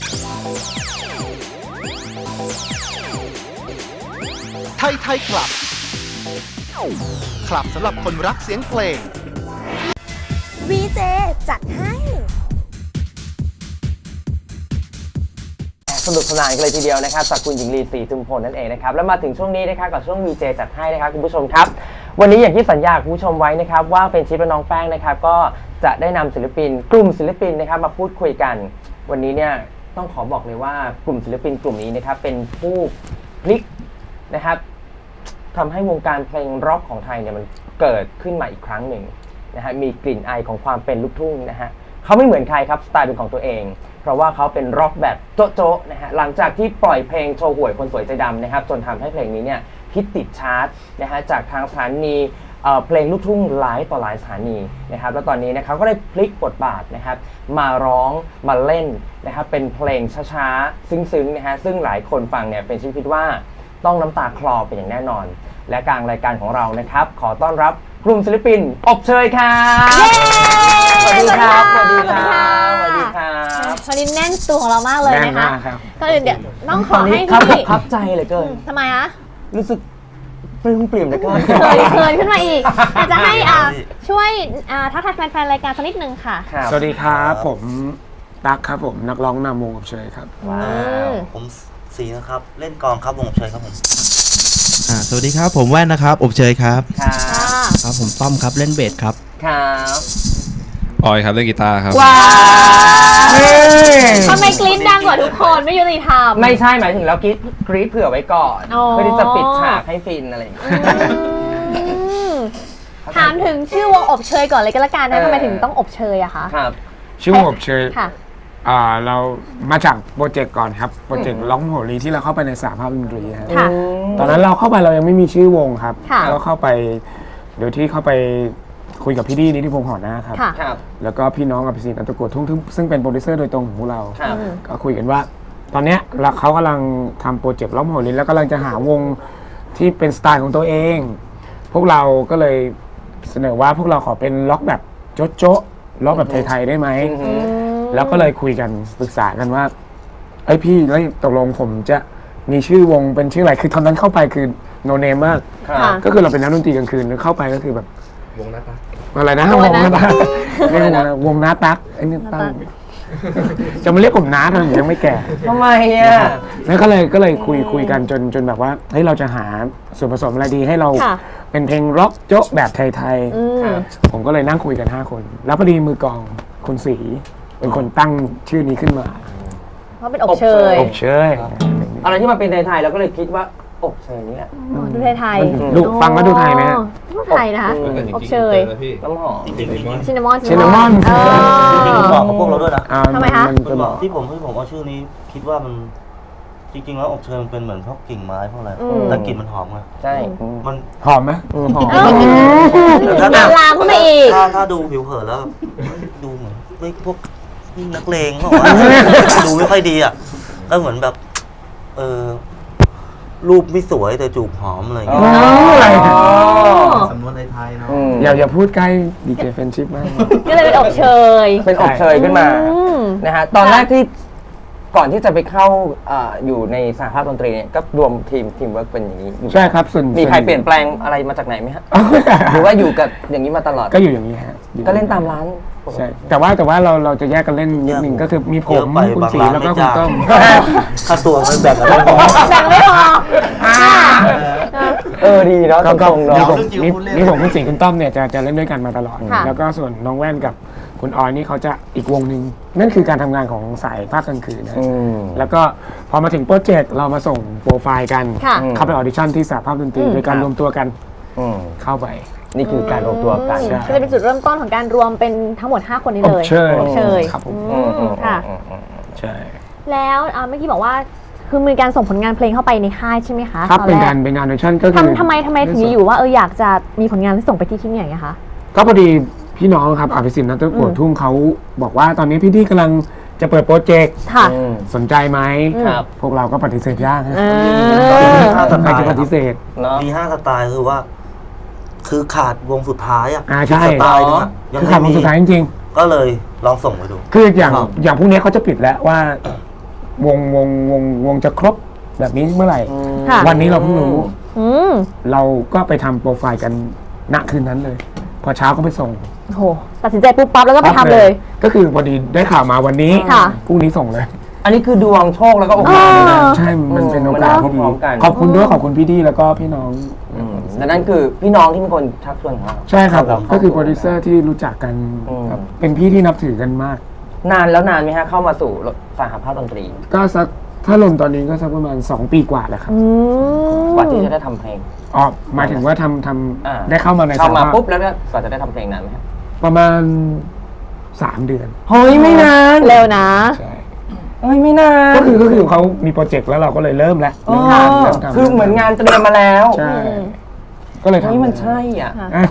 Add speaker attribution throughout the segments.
Speaker 1: ไทยคลับสำหรับคนรักเสียงเพลง
Speaker 2: VJ จัดให้
Speaker 3: สนุกสนานกันเลยทีเดียวนะครับจากคุณหญิงลีศรีทุมพลนั่นเองนะครับแล้วมาถึงช่วงนี้นะครับกับช่วง VJ จัดให้นะครับคุณผู้ชมครับวันนี้อย่างที่สัญญาคุณผู้ชมไว้นะครับว่าเป็นชิปและน้องแป้งนะครับก็จะได้นำศิลปินกลุ่มศิลปินนะครับมาพูดคุยกันวันนี้เนี่ยต้องขอบอกเลยว่ากลุ่มศิลปินกลุ่มนี้นะครับเป็นผู้พลิกนะครับทำให้วงการเพลงร็อกของไทยเนี่ยมันเกิดขึ้นมาอีกครั้งหนึ่งนะฮะมีกลิ่นอายของความเป็นลูกทุ่งนะฮะเขาไม่เหมือนใครครับสไตล์เป็นของตัวเองเพราะว่าเขาเป็นร็อกแบบโจ๊ะๆนะฮะหลังจากที่ปล่อยเพลงโชว์หวยคนสวยใจดำนะครับจนทำให้เพลงนี้เนี่ยฮิตติดชาร์ตนะฮะจากทางสถานีเพลงลูกทุ่งหลายต่อหลายสถานีนะครับแล้วตอนนี้นะครับก็ได้พลิกบทบาทนะครับมาร้องมาเล่นนะครับเป็นเพลงช้าๆซึ้งๆนะฮะซึ่งหลายคนฟังเนี่ยเป็นชื่อคิดว่าต้องน้ำตาคลอเป็นอย่างแน่นอนและกลางรายการของเรานะครับขอต้อนรับกลุ่มศิลปินอบเชยครับสวัสดีครับสวัสดีครับสวัสดีครับ
Speaker 2: วันนี้แน่นตัวของเรามากเลยนะคะก็เดี๋ยวต้องขอให้
Speaker 3: พี่ครับใจเหลือเกิน
Speaker 2: ทำไมอะ
Speaker 3: รู้สึกปลื้มปริ่มเหลือเกิน
Speaker 2: เขินขึ้นมาอีกอยากจะให้ช่วยทักทายแฟนๆรายการสักนิดนึงค่ะ
Speaker 4: สวัสดีครับผมตั๊กครับผมนักร้องนำวงอบเชยครับ
Speaker 3: ว้าว
Speaker 5: ผมสีนะครับเล่นกลองครับวงอบเชยครับผม
Speaker 6: สวัสดีครับผมแว่นนะครับอบเชยครับ
Speaker 3: ครับ
Speaker 6: ผมต้อมครับเล่นเบสครับ
Speaker 3: ครับ
Speaker 7: ออยครับเล่นกีตาร์ครับ
Speaker 3: ว้าว
Speaker 2: ทำไมกรี๊ดดังกว่าทุกคนไม่ยุติธรรม
Speaker 3: ไม่ใช่หมายถึงเรากรี๊ดเผื่อไว้ก่อนเพื่อที่จะปิดฉากให้ฟินอะไรอย่างเงี้ย
Speaker 2: ถามถึงชื่อวงอบเชยก่อนเลยก็แล้วกันนะทำไมถึงต้องอบเชยอะคะ
Speaker 3: ครับ
Speaker 4: ชื่อวงอบเชยเรามาจากโปรเจกต์ก่อนครับโปรเจกต์ร้องโหรีที่เราเข้าไปในสหภาพดนตรีครับตอนนั้นเราเข้าไปเรายังไม่มีชื่อวงครับเราเข้าไปโดยที่เข้าไปคุยกับพี่ดีนิติพงษ์หอหน้าครับแล้วก็พี่น้องกับพี่ศิลป์อัตโกทุ่งซึ่งเป็นโปรดิวเซอร์โดยตรงของพวกเราก็คุยกันว่าตอนนี้เขากำลังทำโปรเจกต์ร้องโหรีแล้วกำลังจะหาวงที่เป็นสไตล์ของตัวเองพวกเราก็เลยเสนอว่าพวกเราขอเป็นล็อกแบบโจ๊ะล็อกแบบไทยๆได้ไหมแล้วก็เลยคุยกันปรึกษากันว่าไอ้พี่แล้วตกลงผมจะมีชื่อวงเป็นชื่ออะไรคือตอนนั้นเข้าไปคือโนเนมมากก็คือเราเป็นนักดนตรีกลางคืนแล้วเข้าไปก็คือแบบ
Speaker 7: วงหน้าตัก
Speaker 4: อะไรนะวงหน้าตักเรียกวงหน้าตักไอ้นี่ตั้งจะมาเรียกผมน้าทำไมยังไม่แก่
Speaker 3: ทำไมอ่ะ
Speaker 4: แล้วก็เลยคุยกันจนแบบว่าเฮ้ยเราจะหาส่วนผสมอะไรดีให้เราเป็นเพลงร็อกโจ๊ะแบบไทยๆผมก็เลยนั่งคุยกัน5คนแล้วพอดีมือกลองคุณศรีเป็นคนตั้งชื่อนี้ขึ้นมา
Speaker 2: เพราะเป็นอบเชย
Speaker 3: อะไรที่มาเป็นไทยๆเราก็เลยคิดว่าอบเชยนี่แหละ
Speaker 2: ดูไทย
Speaker 4: ๆดูฟังแล้วดูไทยไหม
Speaker 2: ดูไทยนะคะอบเชย
Speaker 3: น้ำหอม
Speaker 2: ชินนามอน
Speaker 5: จริงๆบอกกับพวกเราด้วยนะ
Speaker 2: ทำไมคะ
Speaker 5: ที่ผมเอาชื่อนี้คิดว่ามันจริงๆแล้วอบเชยมันเป็นเหมือนพวกกิ่งไม้พวกอะไรแต่กลิ่นมันหอมไง
Speaker 3: ใช่
Speaker 5: มัน
Speaker 4: หอมไหม
Speaker 3: หอม
Speaker 2: ลามเข้ามาอีก
Speaker 5: ถ้าดูผิวเผินแล้วดูเหมือนไม่พวกนักเลงบอกว่าดูไม่ค่อยดีอ่ะก็เหมือนแบบรูปไม่สวยแต่จูบหอมอะไรอย่างเงี้ยสำนวนไทยๆเนาะ
Speaker 4: อย่าพูดใกล้ดีเจเฟนชิพมาก
Speaker 2: ก็เลยเป็นอบเชย
Speaker 3: ขึ้นมานะฮะตอนแรกที่ก่อนที่จะไปเข้าอยู่ในสหภาพดนตรีเนี่ยก็รวมทีมเวิร์กเป็นอย่างนี้
Speaker 4: ใช่ครับส่วน
Speaker 3: มีใครเปลี่ยนแปลงอะไรมาจากไหนไหมฮะหรือว่าอยู่กับอย่างนี้มาตลอด
Speaker 4: ก็อยู่อย่างนี้ฮะ
Speaker 3: ก็เล่นตามร้าน
Speaker 4: ใช่แต่ว่าเราจะแยกกันเล่นนิดนึงก็คือมีผมคุณศรีแล้วก็คุณต้อม
Speaker 5: ค่าตัวมันแบ่งกันไม่พอ
Speaker 3: ดีเนาะ
Speaker 4: ก็มีผมคุณศรีคุณต้อมเนี่ยจะเล่นด้วยกันมาตลอดแล้วก็ส่วนน้องแว่นกับคุณออยนี่เขาจะอีกวงหนึ่งนั่นคือการทำงานของสายภาคกลางคืนนะแล้วก็พอมาถึงโปรเจกต์เรามาส่งโปรไฟล์กันเข้าไปออดิชั่นที่สหภาพดนตรีโดยการรวมตัวกันเข้าไป
Speaker 3: นี่คือการรวมตัวกัน
Speaker 2: จะเป็นจุดเริ่มต้นของการรวมเป็นทั้งหมด5คนนี้เลย
Speaker 4: อบเชยครับผม
Speaker 2: ค่ะ
Speaker 4: ใช่
Speaker 2: แล้วเมื่อกี้บอกว่าคือมีการส่งผลงานเพลงเข้าไปในค่ายใช่ไหมคะ
Speaker 4: ครับเป็นงานออดิชั่นก็คือ
Speaker 2: ทำไมถึงอยู่ว่าอยากจะมีผลงานที่ส่งไปที่ไหนคะ
Speaker 4: ก็พอดีพี่น้องครับอภิสิทธิ์นัทปวดทุ่งเขาบอกว่าตอนนี้พี่ที่กำลังจะเปิดโปรเจกต์สนใจไหมพวกเราก็ปฏิเสธยากนะใครจะปฏิเสธ
Speaker 5: มี5 สไตล์คือว่าคือขาดวงสุดท้าย
Speaker 4: ใช่
Speaker 5: สไตล์
Speaker 4: ยังขาดวงสุดท้ายจริง
Speaker 5: ๆก็เลยลองส่งไปดู
Speaker 4: คืออย่างพวกนี้เขาจะปิดแล้วว่าวงจะครบแบบนี้เมื่อไหร่
Speaker 2: ค่ะ
Speaker 4: วันนี้เราเพิ่งรู้
Speaker 2: อืม
Speaker 4: เราก็ไปทำโปรไฟล์กันณคืนนั้นเลย พอเช้าก็ไปส่ง
Speaker 2: โหตัดสินใจปุ๊บปั๊บแล้วก็ไปทำเลย
Speaker 4: ก็คือพอดีได้ข่าวมาวันนี้
Speaker 2: ค่ะ
Speaker 4: พรุ่งนี้ส่งเลย
Speaker 3: อันนี้คือดวงโชคแล้วก็โอกาสเลยนะ
Speaker 4: ใช่ มันเป็นโอกาสที่ดี
Speaker 3: พร้อมกัน
Speaker 4: ขอบคุณด้วยขอบคุณพี่ดีแล้วก็พี่น้อง
Speaker 3: และนั่นคือพี่น้องที่เป็นคนชักชวนของเรา
Speaker 4: ใช่ครับ
Speaker 3: เรา
Speaker 4: ก็คือโปรดิวเซอร์ที่รู้จักกัน
Speaker 3: อืม
Speaker 4: ครับเป็นพี่ที่นับถือกันมาก
Speaker 3: นานแล้วนานไหมฮะเข้ามาสู่สหภาพดนตรี
Speaker 4: ก็สักถ้าลงตอนนี้ก็สักประมาณ2 ปีกว่าแล้วครับ
Speaker 2: อืม
Speaker 3: กว่าที่จะได้ทำเพลง
Speaker 4: อ๋อหมายถึงว่าท
Speaker 3: อ่า
Speaker 4: ำได้เข้ามาใน
Speaker 3: เข้ามา
Speaker 4: สภพ
Speaker 3: ปุ๊บแล้วก็กว่าจะได้ทำเพลงนานไหมครับ
Speaker 4: ประมาณ3 เดือน
Speaker 3: เฮ้ยไม่นาน
Speaker 2: เร็วนะ
Speaker 4: ใช่
Speaker 3: เฮ้ยไม่นาน
Speaker 4: ก็คือเขามีโปรเจกต์แล้วเราก็เลยเริ่มแล้ว
Speaker 3: อ๋อ
Speaker 4: เริ่มทำ
Speaker 3: คือเหมือนงานเตรียมมาแล้ว
Speaker 4: ใช่ ก็เลยทำ
Speaker 3: เฮ้ยมันใช่อ่ะ
Speaker 4: อ้าว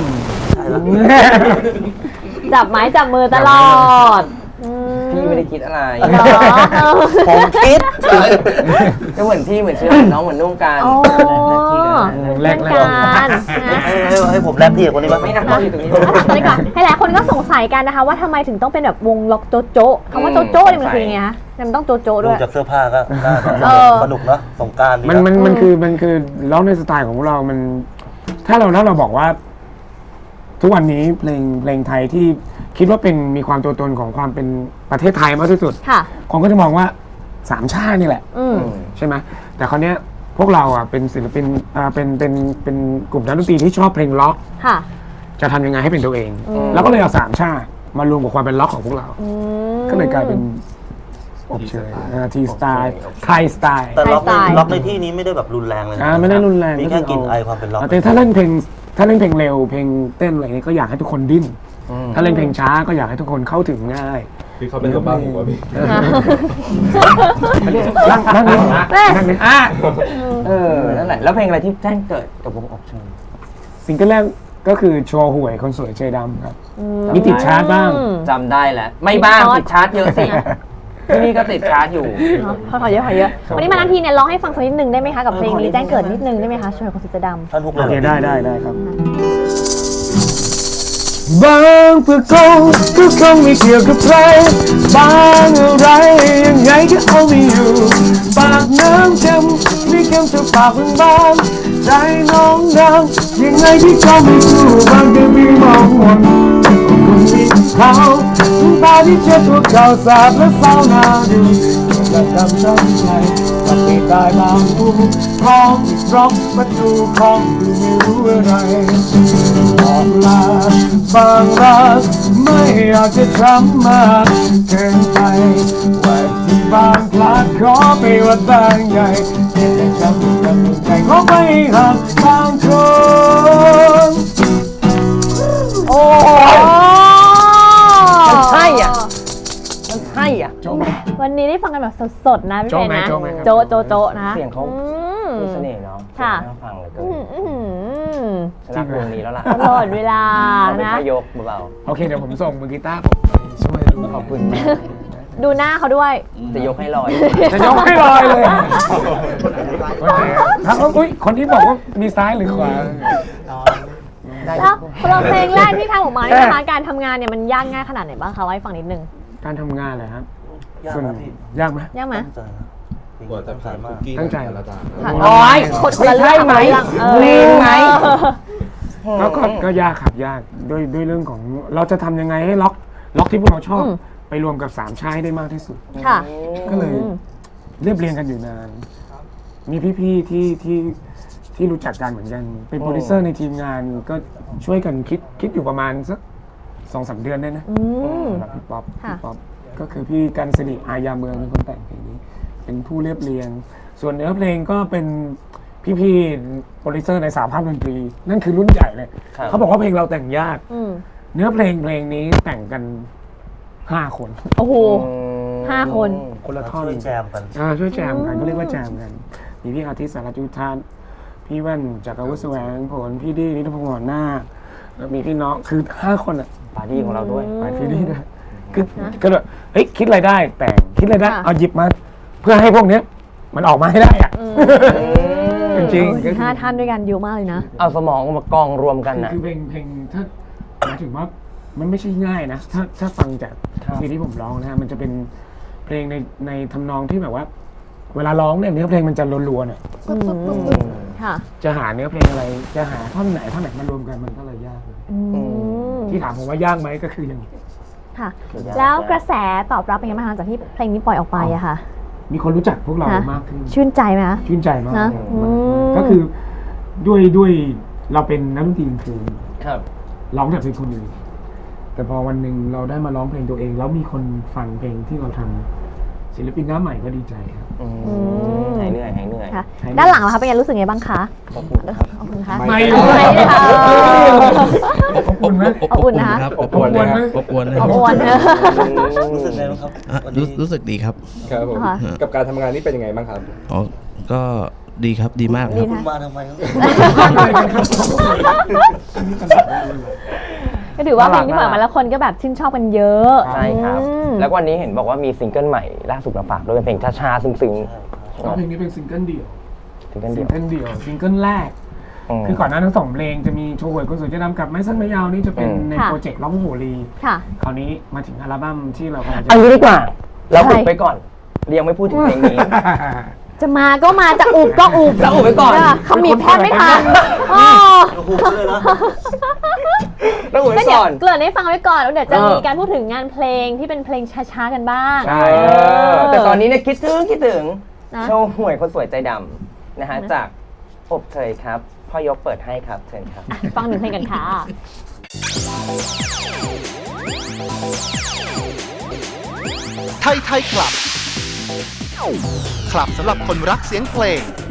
Speaker 2: จับไม้จับมือตลอดอืม
Speaker 3: พี่ไม่ได้คิดอะไร
Speaker 2: เหรอ
Speaker 3: ผมคิดก็เหมือนพี่เหมือนเชื่อน้องเหมือนนุ่งกัน
Speaker 2: อ๋อ
Speaker 4: แรก
Speaker 2: เพื่อนกันนะ
Speaker 5: ให้ผมแรปพี่กับคนนี้บ้าง
Speaker 3: ไม่นะอยู่ตรงนี้
Speaker 2: อ่ะตอนนี้ก่อนให้หลายคนก็สงสัยกันนะคะว่าทำไมถึงต้องเป็นแบบวงล็อกโจโจ้คำว่าโจโจ้เนี่ยมันคือยังไงคะมันต้องโจโจ้
Speaker 5: ดู
Speaker 2: ด้วย
Speaker 5: จากเสื้อผ้าก็น่า
Speaker 2: เออ
Speaker 5: สนุกเนอะสงกรานต์ดี
Speaker 4: มัน
Speaker 5: นะ
Speaker 4: มันคือร้องในสไตล์ของเรา มัน ถ้าเราบอกว่า ทุกวันนี้เพลงไทยที่คิดว่าเป็นมีความตัวตนของความเป็นประเทศไทยมากที่สุด
Speaker 2: ค่ะ
Speaker 4: คนก็จะมองว่าสามชาตินี่แหละ
Speaker 2: อืม
Speaker 4: ใช่ไหมแต่คราวเนี้ยพวกเราอ่ะเป็นศิลปินเป็นกลุ่มนักดนตรีที่ชอบเพลงล็อก
Speaker 2: ค่ะ
Speaker 4: จะทำยังไงให้เป็นตัวเอง
Speaker 2: อืม
Speaker 4: แล้วก็เลยเอาสามชาติมารวมกับความเป็นล็อกของพวกเรา
Speaker 2: อืม
Speaker 4: ก็เลยกลายเป็นอบเชยทีสไตล์ไทยสไตล์
Speaker 5: แต่ล็อกใน
Speaker 2: ไทยสไตล์
Speaker 5: ล็อกในที่นี้ไม่ได้แบบรุนแรงเลยนะ
Speaker 4: ไม่ได้รุนแรง
Speaker 5: มีแค่กลิ่นไอความเป็นล็อก
Speaker 4: แต่ถ้าเล่นเพลงเร็วเพลงเต้นอะไรนี้ก็อยากให้ทุกคนดิ้น ถ้าเล่นเพลงช้าก็อยากให้ทุกคนเข้าถึงง่าย
Speaker 7: พี่เขาเป็นตัวบ้าผมวะพี่
Speaker 4: นั่งนี่นั่งนี่
Speaker 3: นั่นแหละแล้วเพลงอะไรที่แจ้งเกิดกับวงอบเชย
Speaker 4: ซิงเกิลแรกก็คือโชว์หวยคนสวยเชยดำครับมีติดชาร์ตบ้าง
Speaker 3: จำได้แล้วไม่บ้างติดชาร์จเยอะสิที่นี่ก็ติดชาร์จอยู่
Speaker 2: ขอเยอะวันนี้มาทันทีเนี่ยร้องให้ฟังสักนิดนึงได้ไหมคะกับเพลงนี้แจ้งเกิดนิดนึงได้ไหมคะช่วยคนสีดำ
Speaker 5: ท่านฮุกเล
Speaker 4: โอย เค
Speaker 5: เหรอ
Speaker 4: ได้ครับบางเพื่อคงก็คงไม่เกี่ยวกับใครบางอะไรยังไงก็เอาไม่อยู่ปากน้ำเค็มไม่เค็มเท่าปากบางใจน้องดังยังไงที่ก็ไม่สู้บางก็มีมองมนคงมีเขาตาที่เจ็บตัวเก่าสาบและเศร้าหน้าดูจะทำใจกับปีตายบางผู้คล้องร้องประตูของคือไม่รู้อะไรบอกลาบางรักไม่อยากจะช้ำมากเกินไปว่าที่บางพลาดขอไปว่าบางใหญ่เจ็บแต่ช้ำกันใจขอไม่หักบางคน
Speaker 2: โอ้
Speaker 3: มันใช่อ่ะ มันใช่อ่ะ
Speaker 4: โจ๊กไหม
Speaker 2: วันนี้ได้ฟังกันแบบสดๆนะพี่
Speaker 4: โจ๊
Speaker 2: เพ
Speaker 4: กไหม
Speaker 2: นะ
Speaker 4: โจ๊กไหมครับ
Speaker 2: โจนะ
Speaker 3: เสียงเขา
Speaker 2: อืม
Speaker 3: มีเสน่ห์เนาะ
Speaker 2: ค่ะ
Speaker 3: น่าฟังเหลยเกิ
Speaker 2: อื
Speaker 3: น
Speaker 2: มอืม
Speaker 3: ชนะวงนี้แล้วล่ะ
Speaker 2: ตลอดเวลา
Speaker 3: เราเป็น
Speaker 2: นะ
Speaker 3: พยกเบา
Speaker 4: โอเคเดี๋ยวผมส่งมือกีตาร์ผมไปช่วยดู
Speaker 3: ๆขอบคุณมาก
Speaker 2: ดูหน้าเขาด้วย
Speaker 3: จะยกให้ลอย
Speaker 4: จะยกให้ลอยเลยครับอุ้ยคนที่บอกว่ามีซ้ายหรือขวา
Speaker 2: แล้วเราเพลงแรกที่ทำออกมาเนี่ยนะคะการทำงานเนี่ยมันยากง่ายขนาดไหนบ้างคะเล่าให้ฟังนิดนึง
Speaker 4: การทำงานเลยครับ
Speaker 5: ยาก
Speaker 4: ส่วน
Speaker 5: นะพี่
Speaker 4: ยากไหม
Speaker 2: ยากไหม
Speaker 5: ตั้งใจนะ
Speaker 7: กว่าจะผ่านคุกกี้
Speaker 4: ตั้งใจ
Speaker 7: แต่ละจาน
Speaker 2: ค่ะ
Speaker 3: โอ๊ย
Speaker 2: คนละเรื่อง
Speaker 3: ใช่ไหม
Speaker 2: คนละเรื่อง
Speaker 3: เพลงไหม
Speaker 4: ก็ยากครับยากด้วยเรื่องของเราจะทำยังไงให้ล็อกที่พวกเราชอบ ไปรวมกับสามชาติให้ได้มากที่สุด
Speaker 2: ค่ะ
Speaker 4: ก็เลยเรียบเรียงกันอยู่นาน มีพี่ๆที่รู้จักกันเหมือนกัน เป็นโปรดิวเซอร์ในทีมงานก็ช่วยกันคิดอยู่ประมาณสัก2-3 เดือนได้นะ
Speaker 2: อืม
Speaker 4: สำหรับพี่ป๊อป
Speaker 2: ค่ะ
Speaker 4: ก็คือพี่กันสิริอายาเมืองเป็นคนแต่งเพลงนี้ เป็นผู้เรียบเรียง ส่วนเนื้อเพลงก็เป็นพี่ๆโปรดิวเซอร์ในสหภาพดนตรี นั่นคือรุ่นใหญ่เลย
Speaker 3: ครับ
Speaker 4: เขาบอกว่าเพลงเราแต่งยาก
Speaker 2: อืม
Speaker 4: เนื้อเพลงนี้แต่งกัน5 คน
Speaker 2: โอ้โห 5 คน
Speaker 4: คนละท่อน
Speaker 5: ช่วยแจมกัน
Speaker 4: ช่วยแจมกันก็เรียกว่าแจมกัน มีพี่อาทิตย์สารจุธาพี่แว่นจากอาวุธแสวงผลพี่ดีนิทพงศ์หอนนาคแล้วมีพี่น้องคือ5 คนอ่ะ
Speaker 3: ปาร์ตี้ของเราด้วย
Speaker 4: ไปพี่ดีด้วยคือก็แบบเฮ้ยคิดอะไรได้แต่งคิดอะไรได้
Speaker 2: ค่ะ
Speaker 4: เอาหยิบมา เพื่อให้พวกเนี้ยมันออกมาให้ได้อ่ะจริงๆก็คือ
Speaker 2: 5 ท่านด้วยกันเยอะมากเลยนะ
Speaker 3: เอาสมองมากองรวมกันนะ
Speaker 4: คือเพลงถ้าหมายถึงว่ามันไม่ใช่ง่ายนะถ้าฟังจาก
Speaker 3: ครับ
Speaker 4: ที่ผมร้องนะฮะมันจะเป็นเพลงในทำนองที่แบบว่า เวลาร้องเนี่ยเนื้อเพลงมันจะรัวๆเนี่ย
Speaker 2: ค่ะ
Speaker 4: จะหาเนื้อเพลงอะไร จะหาท่อนไหนมารวมกันมันก็เลยยากเลยที่ถามผมว่ายากไหมก็คืออย่างนี้
Speaker 2: ค่ะ แล้วกระแสตอบรับเป็นยังไงบ้างหลังจากที่เพลงนี้ปล่อยออกไปอะค่ะ
Speaker 4: มีคนรู้จักพวกเรามากขึ้น
Speaker 2: ชื่นใจไหมคะ
Speaker 4: ชื่นใจมาก
Speaker 2: นะ
Speaker 4: เลย
Speaker 2: อืม
Speaker 4: ก็คือด้วยเราเป็นนักดนตรีกลางคืน
Speaker 3: ครับ
Speaker 4: ร้องแต่เพลงคนอื่นแต่พอวันหนึ่งเราได้มาร้องเพลงตัวเอง แล้วมีคนฟังเพลงที่เราทำศิลปินหน้าใหม่ก็ดีใจครับ
Speaker 3: หายเหนื่อยหายเหนื่อย
Speaker 2: ค่ะ ด้านหลังล่ะคะเป็นไงรู้สึกไงบ้างคะ
Speaker 3: ขอบคุณครับ
Speaker 2: ขอบคุณค่ะ
Speaker 4: ไม่
Speaker 2: ไม่ค่ะ
Speaker 4: อบอุ่นไหม
Speaker 2: อบอุ่นนะคะ
Speaker 6: ครับ
Speaker 4: อบอุ่นไหม
Speaker 6: อบอุ่นนะ
Speaker 2: อบอุ่นนะ
Speaker 5: รู้สึกไงบ้างครับ
Speaker 6: อ่ะ
Speaker 5: วันนี้
Speaker 6: รู้สึกดีครับ
Speaker 7: ครับผม
Speaker 2: ค่ะ
Speaker 7: กับการทำงานนี่เป็นยังไงบ้างครับ
Speaker 6: อ๋อ ก็ดีครับ ดีมากครับ
Speaker 5: คุณมาทำไมครับ
Speaker 2: ก็ถือว่าเพลงที่ปล่อยมาแล้วคนก็แบบชื่นชอบกันเยอะ
Speaker 3: ใช่ครับ
Speaker 2: อืม
Speaker 3: แล้ววันนี้เห็นบอกว่ามีซิงเกิลใหม่ล่าสุดมาฝากด้วยเป็นเพลงช้าๆซึ้ง
Speaker 4: เพลงนี้เป็นซิงเกิลเดี่ยว
Speaker 3: ๆซิงเกิล
Speaker 4: ซิ
Speaker 3: เดี
Speaker 4: ง
Speaker 3: ยว
Speaker 4: เกิลเดี่ยวซิงเกิลแรก คือก่อนหน้าทั้งสองเพลงจะมีโชว์หวยคนสวยจะดำกับไม้สั้นไม้ยาวนี่จะเป็นใน
Speaker 2: ค่ะ
Speaker 4: โปรเจกต์ร้องโหรี
Speaker 2: ค่ะ
Speaker 4: คราวนี้มาถึงอัลบั้มที่เรากำลังจะ
Speaker 3: เอางี้ดีกว่า เรา
Speaker 2: ใช่
Speaker 3: อุบไปก่อนยังไม่พูดถึงเพลงนี้
Speaker 2: จะมาก็มาจะอุบก็อุบ
Speaker 3: จะอุบไว้ก่อน
Speaker 2: เขามีบแทบไม่ทันอ๋อ
Speaker 5: โอ้โหเลยนะ
Speaker 3: ต้องอุบ
Speaker 2: ก็
Speaker 3: ไว้
Speaker 2: เดี๋ยว
Speaker 3: ก่อน
Speaker 2: เกริ่นให้ฟังไว้ก่อนแล้วเดี๋ยวจะ
Speaker 3: เออ
Speaker 2: มีการพูดถึงงานเพลงที่เป็นเพลงช้าๆกันบ้าง
Speaker 3: ใช่แต่ตอนนี้เนี่ยคิดถึง
Speaker 2: นะ
Speaker 3: โชว์หวยคนสวยใจดำนะฮะจากอบเชยครับพ่อยกเปิดให้ครับเชิญครับ
Speaker 2: อ่ะฟังหนึ่งเพลงกันค่ะ
Speaker 1: ไทยคลับ คลับสำหรับคนรักเสียงเพลง